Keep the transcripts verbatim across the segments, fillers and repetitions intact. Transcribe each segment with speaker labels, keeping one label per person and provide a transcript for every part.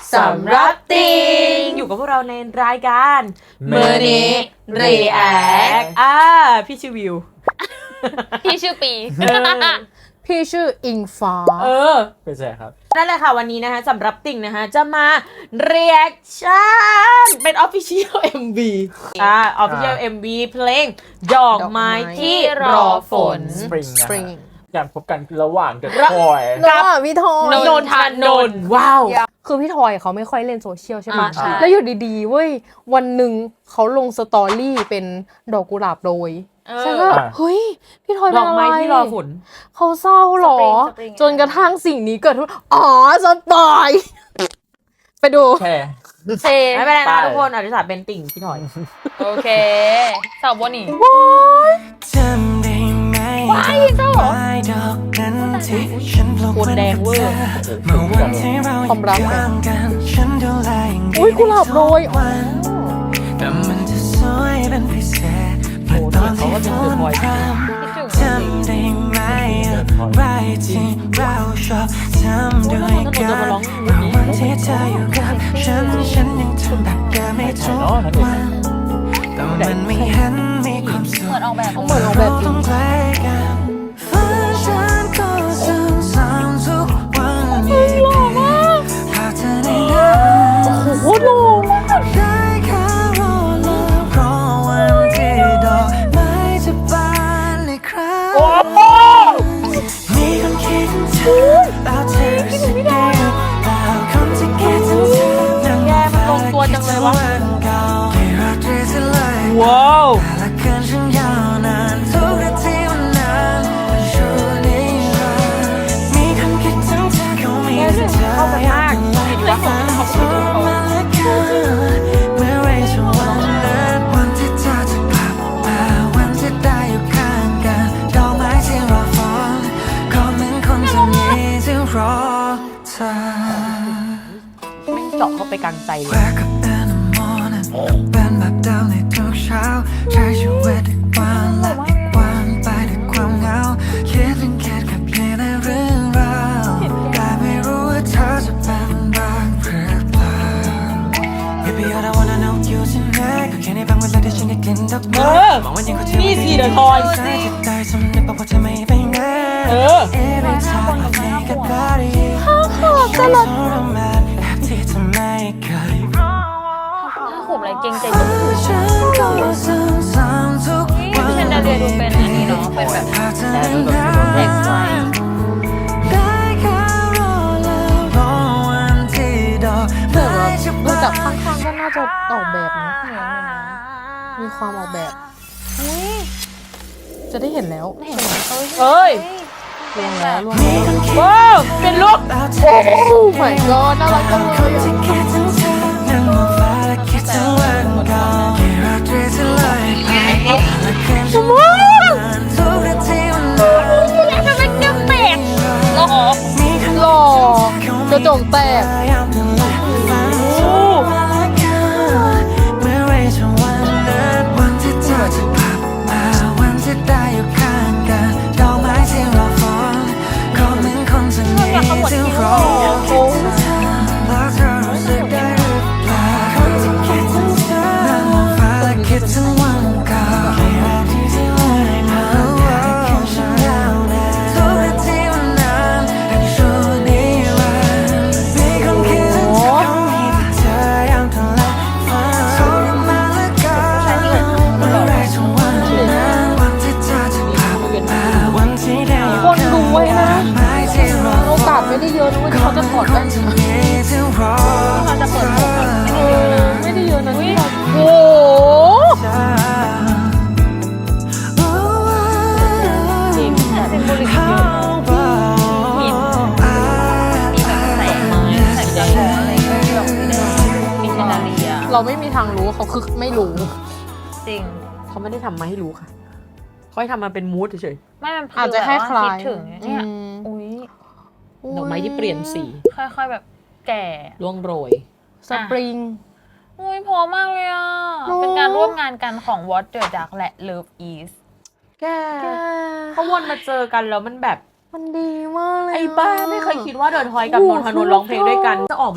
Speaker 1: สำรับติงอยู่กับพวกเราในรายการมื้อนี้รีแอคอ่าพี่ชื่อวิว
Speaker 2: พี่ชื่อปี
Speaker 3: พี่ชื่ออิงฟ้า
Speaker 1: เออ
Speaker 4: เป็นใช่ครับ
Speaker 1: นั่นแหละค่ะวันนี้นะคะสำหรับติ่งนะคะจะมา reaction เป็น official เอ็ม วี อ่า official เอ็ม วี เพลงดอกไม้ที่รอฝน
Speaker 4: Spring การพบกันระหว่างเดอะทอย
Speaker 3: กับพี่ทอย
Speaker 1: นนทนนท์ว้าว
Speaker 3: คือพี่ทอยเขาไม่ค่อยเล่นโซเชียลใช่ไหมแล้วอยู่ดีๆเว้ยวันหนึ่งเขาลงสตอรี่เป็นดอกกุหลาบโรยใช่ก็เฮ้ยพี่ทอยเป็นอะไร
Speaker 1: ดอกไม้ที่รอฝน
Speaker 3: เขาเศร้าหรอจนกระทั่งสิ่งนี้เกิดขึ้นอ๋อสปอยไปดู
Speaker 4: แช่
Speaker 1: เซไม่เป็นไรนะทุกคนอธิษฐานเป็นติ่งพี่ทอย
Speaker 2: โอเคสาวบนนี่
Speaker 3: ว้ายเจ้าเหรอ
Speaker 1: โคนแดงเวอร์
Speaker 3: ความรักไงอุ้ยกุหลาบโรยอ๋อ
Speaker 1: โอ้เนี่ยเขาก็จะตื่นบ่อย
Speaker 2: จำได้ไหมอะไรที่เราชอบทำด้วยกันวันที่เธออยู่กับฉันฉันยังทำแบบเดิมไม่ทุกวันแต่มันไม่เห็นมีความสุขเหมือนออกแบบ
Speaker 3: เหมือนออกแบบจริง
Speaker 2: ฝันฉันก็ซ้ำๆทุกวันอีกหากเธอได้นับ
Speaker 3: โอ้โหหล่อมาก
Speaker 2: ได้แค่รอแล้วรอวันที่ดอกไม้จะบานอีกครั้งมีคนคิดถึงเธอแล้วเธอสักเดียวแล้วคนที่คิดถึงเธอนั่ง
Speaker 1: มันลงตัวจังเลยวะ
Speaker 2: ว้าวและคืนฉันยาวนานทุกนาทีมันนานมันช่วยนิรันดร์มีคนคิดถึงเธอเขามีแต่เธออยากจะฝันเขาพูดมาและกันเมื่อไรจะวันนั้นวันที่เธอจะกลับมาวันที่ได้อยู่ข้างกันดอกไม้ที่รอฝนก็เหมือนคนจะมีที่รอเธอ
Speaker 1: ไม่เจาะเข้าไปกลางใจเลย
Speaker 2: เป็นแบบเดิมในทุกเช้าใช้ชีวิตด้วยความและอีกวันไปด้วยความเหงาคิดถึงคิดกับเพียงในเรื่องราวแต่ไม่รู้ว่าเธอจะเป็นบ้างหรือเปล่า Baby all I wanna know อยู่ที่ไหนก็แค่ในบางเวลาที่ฉันได้กลิ่นดอกไม้มองว่ายังเขาเที่ยวไม่ได้ทอยใจจะได้สำนึกบอกว่าเธอไม่ไปไหน Every time I think about you
Speaker 3: ข้าวขอบตลอด
Speaker 2: แบบที่เธอไม่เคยขบอะไรเก่งใจจุ๊บพี่เชนดาเดียดูเป็นอันนี้เนาะเป็นแบบเด็กวัย
Speaker 3: ดูจากข้างๆก็น่าจะออกแบบนะมีความออกแบบจะได้เห็นแล้ว
Speaker 1: เอ้ย
Speaker 3: ลวงแล้วลวง
Speaker 1: ว้าวเป็นลูก
Speaker 3: โอ้ my god น่ารักจังเลยสมองหล่อกระจกแตกไม่ได้เยอะนะว่าเขาจะถอดแว่นเขาจะเปิดผมไม่ได้เยอะนะที่เราโอ้จริงเป็นบริษัทเยอะมีมีแบบแสงไม้แสงจันทร์อะไรก็แบบมีเชนดาเลียเราไม่มีทางรู้เขาคือไม่รู้
Speaker 1: จริงเขาไม่ได้ทำมาให้รู้ค่ะเขาให้ทำมาเป็นมูดเฉย
Speaker 2: ๆไม่มัน
Speaker 3: อาจจะแค่คลาย
Speaker 2: ถึงเนี่ยอุ้ย
Speaker 1: ดอกไม้ที่เปลี่ยนสี
Speaker 2: ค่อยๆแบบแก่
Speaker 1: ร่วงโรย
Speaker 3: สปริง
Speaker 2: อุ้ยพอมากเลยอ่ะเป็นการร่วมงานกันของ What the Duck และ Love Is
Speaker 1: แกเขาวนมาเจอกันแล้วมันแบบ
Speaker 3: มันดีมากเลย
Speaker 1: ไอ้บ้าไม่เคยคิดว่าเดอะทอยกับนนทนนท์ร้องเพลงด้วยกันจะออกมาแบบ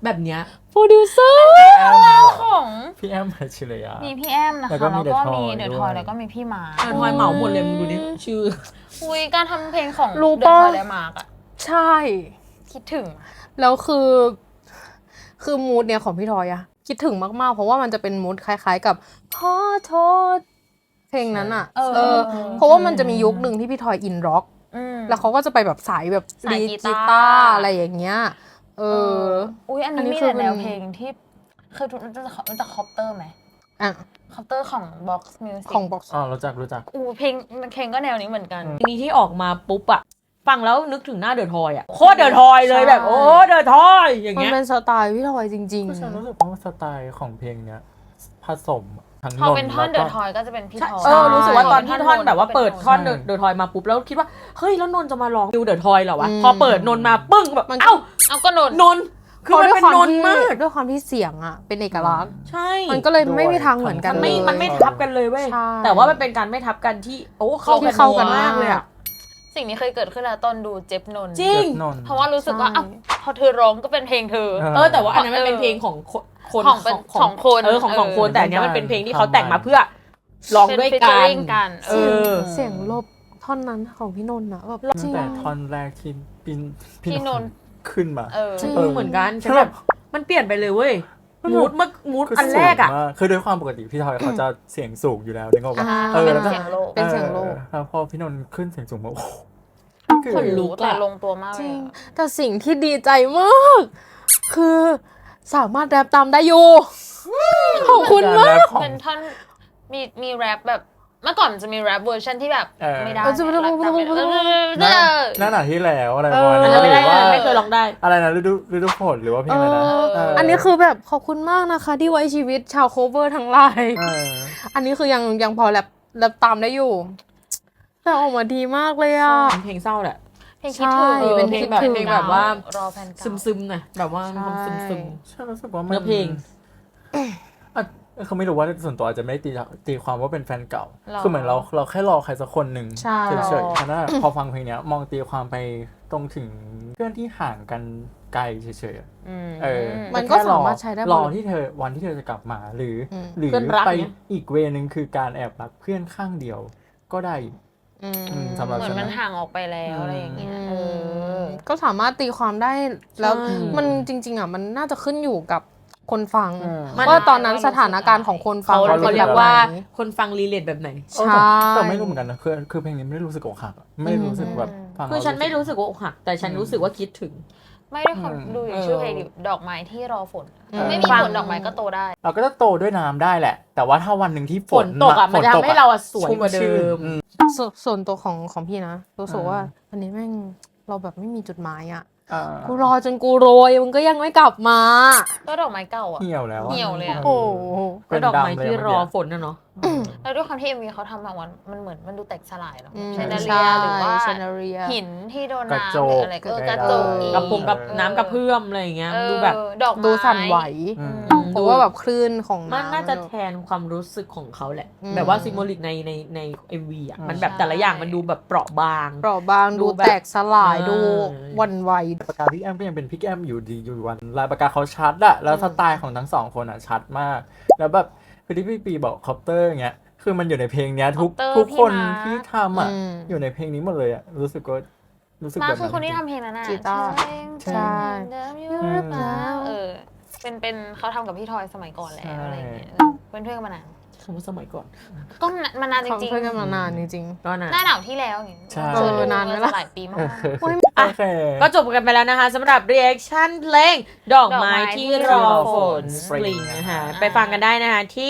Speaker 1: แบบเนี้ย
Speaker 3: โปรดิวเซอร์
Speaker 4: แอมเหรอ
Speaker 5: ของ
Speaker 4: พี่แอมพัชริยา
Speaker 5: มีพี่แอมนะคะ
Speaker 4: แล้วก็มี
Speaker 5: แล้วก็
Speaker 4: The
Speaker 5: มี
Speaker 4: Toy
Speaker 5: เดอะ
Speaker 4: ด้วย
Speaker 5: ทอยแล้วก็มีพี่มา
Speaker 1: เดอะทอยเหมาหมดเลยมึงดูดิชื่อ
Speaker 5: อุ้ยการทำเพลงของ
Speaker 3: รู้
Speaker 5: เดอะ
Speaker 3: ปะ
Speaker 5: ทอยและมาร์กอะ
Speaker 3: ใช่
Speaker 5: คิดถึง
Speaker 3: แล้วคือ คือมูดเนี่ยของพี่ทอยอะคิดถึงมากๆ เพราะว่ามันจะเป็นมูดคล้ายๆ กับขอโทษเพลงนั้นอะ
Speaker 5: เออ
Speaker 3: เออ เพราะว่ามันจะมียุคหนึ่งที่พี่ทอยอินร็อก
Speaker 5: อืม
Speaker 3: แล้วเขาก็จะไปแบบสายแบบ
Speaker 5: สาย
Speaker 3: ดี
Speaker 5: กี
Speaker 3: กี
Speaker 5: ตาร์
Speaker 3: ตาร์อะไรอย่างเงี้ย เออ
Speaker 5: อุ้ยอัน
Speaker 3: อัน
Speaker 5: นี้
Speaker 3: นี้
Speaker 5: มี
Speaker 3: คือ
Speaker 5: แต่แนว
Speaker 3: เป็น
Speaker 5: เพลงที่คือรู้จักรู้จักคอปเตอร์ไหม
Speaker 3: อ่ะ
Speaker 5: คอปเตอร์ของ Box Music
Speaker 3: ของบ็อกซ์
Speaker 4: อ๋อรู้จักรู้จัก
Speaker 5: อู้เพลงเพลงก็แนวนี้เหมือนกัน
Speaker 1: ทีนี้ที่ออกมาปุ๊บอะฟังแล้วนึกถึงหน้าเดอะทอยอะโคตรเดอะทอยเลยแบบโอ้เดอะทอยอย่าง
Speaker 3: มัน
Speaker 1: เงี้ย
Speaker 3: เป็นสไตล์พี่ทอยจริง
Speaker 4: ก็ฉันรู้สึกว่าสไตล์ของเพลงเนี้ยผสมทั้ง
Speaker 5: พอเป็นท่อนเด
Speaker 4: แล้ว
Speaker 5: อะ
Speaker 4: ก็
Speaker 5: ทอยก็จะเป็นพี่ทอย
Speaker 1: เออรู้สึกว่าตอนที่ท่อนแบบว่าเปิดท่อน
Speaker 4: ใช่
Speaker 1: เดอะทอยมาปุ๊บแล้วคิดว่าเฮ้ยแล้วนนท์จะมาร้องดิวเดอะทอยเหรอวะ
Speaker 3: อืม
Speaker 1: พอเปิดนนท์มาปึ้งแบบ
Speaker 3: มัน
Speaker 1: เอ้า
Speaker 5: เอาก็โนน
Speaker 1: นนท์
Speaker 3: ๆ
Speaker 1: คือมันเป็นนนท์มาก
Speaker 3: ด้วยความที่เสียงอะเป็นเอกลักษณ์
Speaker 1: ใช่
Speaker 3: มันก็เลยไม่มีทางเหมือนกัน
Speaker 1: มันไม่
Speaker 3: เลย
Speaker 1: มันไม่ทับกันเลยเว้ย
Speaker 3: ใช่
Speaker 1: แต่ว่ามันเป็นการไม่ทับกันที่โอ้เข้า
Speaker 3: ที่
Speaker 1: กัน
Speaker 3: เข้ากัน
Speaker 1: มากเลยอะ
Speaker 5: สิ่งนี้เคยเกิดขึ้นแล้วตอนดูเจ็บนนท์
Speaker 1: จริง
Speaker 4: เจ็บนนท์
Speaker 5: เพราะว่ารู้สึกว่า
Speaker 3: ใช่
Speaker 5: อ้าวพอเธอร้องก็เป็นเพลงเธอ
Speaker 4: เออ
Speaker 1: เออแต่ว่าอันนั้นมันเป็น
Speaker 5: เออ
Speaker 1: เพลงของคนคน
Speaker 5: ของเป็นของคน
Speaker 1: เออของสองคน
Speaker 5: เออ
Speaker 1: แต่อันเนี้ยมันเป็นเพลงที่เขา
Speaker 4: ทำมา
Speaker 1: แต่งมาเพื่อร้องด้วย
Speaker 5: เป็น
Speaker 1: กัน
Speaker 5: featuring กัน
Speaker 1: เออ
Speaker 3: เสียงลบท่อนนั้นของพี่นนท์อะแบบจริ
Speaker 4: ตั้
Speaker 3: ง
Speaker 4: งแต่ท่อนแรกที่ปิน
Speaker 5: พี่นนท์
Speaker 4: ขึ้นมา
Speaker 5: เออ
Speaker 3: จริง
Speaker 1: เออเหมือนกันฉันแบบมันเปลี่ยนไปเลยเว้ยมูดเมื่อมูด
Speaker 4: คือ
Speaker 1: อันแรกอ่ะ
Speaker 4: สูงมาคือด้วยความปกติพี่ทอยเขาจะเสียงสูงอยู่แล้วนึกออกปะ
Speaker 3: อ่า
Speaker 4: เออ
Speaker 5: เป็น
Speaker 4: แล้วก็
Speaker 5: เสียงโลก
Speaker 3: เป็นเสียงโลก
Speaker 4: ออแล้วพอพี่นนท์ขึ้นเสียงสูงมาโอ้โห
Speaker 1: ขนลุก
Speaker 5: แต่
Speaker 1: อะ
Speaker 5: ลงตัวมาก
Speaker 3: จ
Speaker 5: เล
Speaker 3: ริ
Speaker 5: ย
Speaker 3: ง
Speaker 5: อะ
Speaker 3: แต่สิ่งที่ดีใจมาก คือสามารถแรปตามได้อยู่ ขอบคุณมาก
Speaker 4: รแรปของ
Speaker 5: เป็นท่อนมีมีแรปแบบเมื่อก่อนจะมีแรปเวอร์ชันที่แบบ
Speaker 4: เออ
Speaker 5: ไม่ได้
Speaker 3: เออจะไม่ได้
Speaker 5: แรปตามไม่ได้
Speaker 4: หน้าหน้าหนาที่แล้วอะไรประมาณ
Speaker 1: อัน
Speaker 4: นี้
Speaker 1: นั้นไม่ได้
Speaker 4: หรือว่า
Speaker 1: ไม่เคยร้องได้
Speaker 4: อะไรนะฤดูฤดูฝนหรือว่าเพลงอะไรนะ
Speaker 3: เออ
Speaker 4: เ
Speaker 3: อันนี้คือแบบขอบคุณมากนะคะ ที่ไว้ชีวิตชาวโคเวอร์ทั้งหลาย
Speaker 4: เออ
Speaker 3: อันนี้คือยังยังพอแรปแรปตามได้อยู่ แต่ออกมาดีมากเลยอ่ะ
Speaker 1: เป็นเพลงเศร้าแหละ
Speaker 5: เพลงคิดถึง
Speaker 3: ใช่
Speaker 1: เป็นเพลงแบบ
Speaker 3: คิดถึง
Speaker 1: เพลงแบบว่า
Speaker 5: รอแฟนเก่า
Speaker 1: ซึมๆหน่อยแบบว่ามีความ
Speaker 3: ใช่
Speaker 1: ซึม
Speaker 4: ฉันรู้สึกว่ามัน
Speaker 1: เนื้อเพลง
Speaker 4: อ่ะเขาไม่รู้ว่าส่วนตัวอาจจะไม่ได้ตีตีความว่าเป็นแฟนเก่า
Speaker 5: หรอ
Speaker 4: คือเหมือนเราเราแค่รอใครสักคนหนึ่ง
Speaker 3: ใช่
Speaker 4: เฉยๆฉะนั้นพอฟังเพลงเนี้ยมองตีความไปตรงถึงเพื่อนที่ห่างกันไกลเฉยๆอะ
Speaker 5: อืม
Speaker 4: เออ
Speaker 3: มันก็
Speaker 4: แค่
Speaker 3: สามารถใช้ได้หมด
Speaker 4: รอที่เธอวันที่เธอจะกลับมาหรืออ
Speaker 3: ม
Speaker 4: หรือ
Speaker 1: เพื่อนรัก
Speaker 4: ไป
Speaker 1: เนี่ย
Speaker 4: อีกเวนึงคือการแอบรักเพื่อนข้างเดียวก็ได้
Speaker 3: อืม
Speaker 4: อืมสำหรับ
Speaker 5: เหมือ
Speaker 4: ฉั
Speaker 5: น
Speaker 4: น
Speaker 5: มัน
Speaker 4: นะ
Speaker 5: ห่างออกไปแล้วอะไรอย่างเงี้ยเออ
Speaker 3: ก็สามารถตีความได้แล้ว
Speaker 1: ใช่
Speaker 3: มันจริง ๆอ่ะมันน่าจะขึ้นอยู่กับคนฟัง
Speaker 4: อืม
Speaker 1: มัน
Speaker 3: ว่าตอนนั้นสถานการณ์ของคน
Speaker 1: ๆ
Speaker 3: ฟั
Speaker 1: เขา
Speaker 3: ง
Speaker 1: เขาเรียกว่าคนฟังรีเลทแบบไหน
Speaker 4: เออ
Speaker 3: ใช่
Speaker 4: แต่แต่ไม่รู้เหมือนกันนะคือคือเพลงนี้ไม่ได้รู้สึกอกหักอะไม่ได้รู้สึกแบบฟัง
Speaker 1: คือฉันไม่
Speaker 4: แล้ว
Speaker 1: รู้สึกว่าอกหัก แต่ฉันรู้สึกว่าคิดถึง
Speaker 5: ไม่ได้ความ
Speaker 4: อืม
Speaker 5: ดูอย่าง
Speaker 1: เออ
Speaker 5: ชื่อเพลงดิดอกไม้ที่รอฝน
Speaker 3: อืม
Speaker 5: ไม่มี
Speaker 1: ฟัง
Speaker 5: ฝนดอกไม้ก็โตได้
Speaker 4: เราก็จะโตด้วยน้ำได้แหละ แต่ว่าถ้าวันหนึ่งที่ฝ
Speaker 1: ฝนตกอ่ะมันจะทำให้เราอะสวยกว่าเดิม
Speaker 4: อืม
Speaker 3: สส่วนตัวของของพี่นะรู้สึก
Speaker 4: อ่า
Speaker 3: ว่าอันนี้แม่งเราแบบไม่มีจุดหมายอ่ะ
Speaker 4: อ่า
Speaker 3: กูรอจนกูโรยมึงก็ยังไม่กลับมา
Speaker 5: ก็ดอกไม้เก่าอ่ะ
Speaker 4: เหี่ยวแล้วอะ
Speaker 5: เหี่ยวเลยอะ
Speaker 3: โอ้โห
Speaker 1: ก็ดอกไม้ที่รอฝนนะเนาะ
Speaker 5: แล้วด้วยความที่ เอ็ม วี เขาทำแบบว่ามันเหมือนมันดูแตกสลายเนาะ
Speaker 3: อืม
Speaker 5: เชนเดอ
Speaker 3: ใช่
Speaker 5: เรียหรือว่า
Speaker 3: เชนเดอเรีย
Speaker 5: หินที่โดน
Speaker 4: กระ
Speaker 5: น้ำ
Speaker 4: จ
Speaker 5: หรือก อะไรก็เออกระจกอี
Speaker 1: กระพงกับ
Speaker 5: เออ
Speaker 1: น้ำกระเพื่อมอะไรอย่างเงี้ย
Speaker 5: เออ
Speaker 1: ดูแบบ
Speaker 5: ดอกไม้
Speaker 3: ดูสั่นไหว
Speaker 4: อืม
Speaker 1: อืม
Speaker 3: เพราะว่าแบบคลื่นของ
Speaker 1: มัน
Speaker 3: น้ำ
Speaker 1: น่าจะ
Speaker 3: ดู
Speaker 1: แทนความรู้สึกของเขาแหละ
Speaker 3: อืม
Speaker 1: แบบว่าซิมโบลิกในในในเอ็มวีอ่ะ
Speaker 4: อืม
Speaker 1: มันแบบแต่ละอย่างมันดูแบบเปราะบาง
Speaker 3: เปราะบาง
Speaker 1: ดู
Speaker 3: ดู
Speaker 1: แบบ
Speaker 3: แตกสลาย
Speaker 1: อ่า
Speaker 3: ดูหวันไหว
Speaker 4: ปากกาพี่แอมก็ยังเป็นพี่แอมอยู่ดีอยู่วันลายปากกาเขาชัดอะแล้วสไตล์ของทั้งสองคนอะชัดมาก แล้วแบบคือที่พี่ปีบอกคอปเตอร์อย่างเงี้ยคือมันอยู่ในเพลงเนี้ยทุก
Speaker 5: Copter
Speaker 4: ทุกคน
Speaker 5: พี่มาร์ค
Speaker 4: ที่ทำอะ
Speaker 3: อืม
Speaker 4: อยู่ในเพลงนี้หมดเลยอะรู้สึกว่ารู้สึก
Speaker 5: มา
Speaker 4: แบบ
Speaker 5: คือคนที่
Speaker 4: จริง
Speaker 5: ทำเพลงนั้นน่ะ
Speaker 3: กีตาร์
Speaker 5: ใช่
Speaker 3: ใช่
Speaker 5: เดิมอยู่หรือเปล่าเออเป็นเป็นเขาทำกับพี่ทอยสมัยก่อนแล้ว
Speaker 4: ใช่
Speaker 5: อะไรอย่างเงี้ยเออเป็นเพื่อนกันมานาน
Speaker 1: คำว่าสมัยก่อน
Speaker 5: ก็มานานจ
Speaker 3: เขา
Speaker 5: ริง
Speaker 3: เพื่อนกันมานานจริง
Speaker 1: ก็นะ
Speaker 5: ๆหน้าหนาวที่แล้วอย่างเงี้ย
Speaker 4: ใช่
Speaker 5: เจอ
Speaker 3: เออนานไหมล่ะ
Speaker 5: หลายปีมาก
Speaker 4: โอเค
Speaker 1: อ่ะ
Speaker 4: โอเค
Speaker 1: ก็จบกันไปแล้วนะคะสำหรับ reaction เพลงดอกไม้ที่รอฝน
Speaker 4: Spring
Speaker 1: Spring นะคะ
Speaker 5: อ่า
Speaker 1: ไปฟังกันได้นะคะที่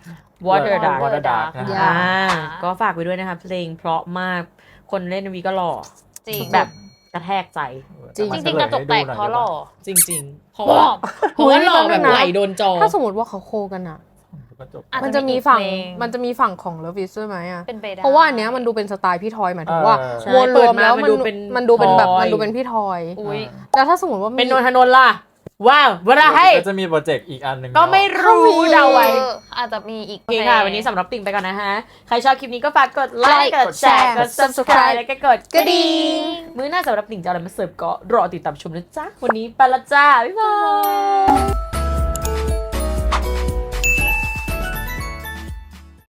Speaker 1: Water Dark
Speaker 4: Water Dark นะ
Speaker 3: อย่
Speaker 4: ฮะ
Speaker 1: อ่าก็ฝากไปด้วยนะคะ เพลงเพราะมากคนเล่นวีก็หล่อ
Speaker 5: จริง
Speaker 1: แบบกระแทกใจ
Speaker 3: จริง
Speaker 5: จริงๆกระจกแตกเพราะหล่อ
Speaker 1: จริงๆ เพราะว่าเพราะว่าหล่อแบบไหลโดนจอ
Speaker 3: ๆ ถ้าสมมติว่าเขาโคกันอ่ะ
Speaker 4: กระจก
Speaker 5: อาจ
Speaker 3: มันจะมีฝั่ง
Speaker 5: อีกเพลง
Speaker 3: มันจะมีฝั่งของเลิฟวิสด้วยไหมอ่ะ
Speaker 5: เป็นไปได้
Speaker 3: เพราะว่าอันเนี้ยมันดูเป็นสไตล์พี่ทอยหมายถึงว่า
Speaker 4: เออ
Speaker 1: ใช่
Speaker 3: มวลรวมแล้ว
Speaker 1: เปิดมามั
Speaker 3: มัน น
Speaker 1: ดู
Speaker 3: ดู
Speaker 1: เป็น
Speaker 3: มันดูเป็นแบบ
Speaker 1: ทอย
Speaker 3: มันดูเป็นพี่ทอย
Speaker 5: อุ้ย
Speaker 3: แล้วถ้าสมมติว่ามี
Speaker 1: เป็นนนทนนท์ล่ะว้าวว่าไร
Speaker 4: ก็จะมีโปรเจกต์อีกอันหนึ่ง
Speaker 1: ก็ไม่รู้เดาไว้
Speaker 5: เอออาจจะมีอีก
Speaker 1: โอเคค่ะ วันนี้สำหรับติ่งไปก่อนนะฮะ ใครชอบคลิปนี้ก็ฝากกดไลค์ กดแชร์ กด subscribe แล้วก็กดกระดิ่งมื้อหน้าสำหรับติ่งจะเอาอะไรมาเสิร์ฟก็รอติดตามชมนะจ๊ะ วันนี้ไปละจ้า บ๊ายบาย